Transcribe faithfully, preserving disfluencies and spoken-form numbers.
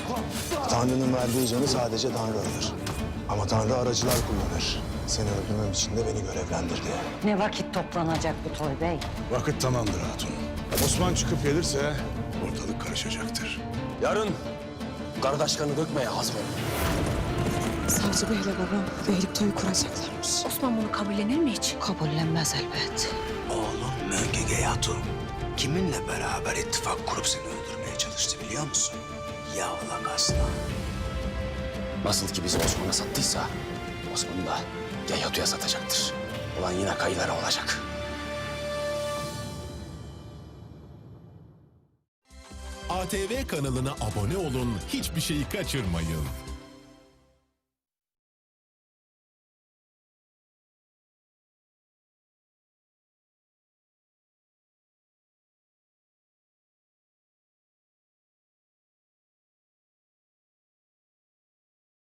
Tanrı'nın verdiği canı sadece Tanrı alır. Ama Tanrı aracılar kullanır. Seni öldürmem için de beni görevlendirdi. Ne vakit toplanacak bu toy bey? Vakit tamamdır hatun. Osman çıkıp gelirse ortalık karışacaktır. Yarın kardeşkanı dökmeye hazır olun. Savcı beyle babam beylik toyu kuracaklarmış. Osman bunu kabullenir mi hiç? Kabullenmez elbet. Oğlum Möngege Hatun kiminle beraber ittifak kurup seni öldürmeye çalıştı biliyor musun? Yavlak aslan. Nasıl ki bizi Osman'a sattıysa Osman'ı da Geyatu'ya satacaktır. Ulan yine kayılara olacak. A T V kanalına abone olun, hiçbir şeyi kaçırmayın.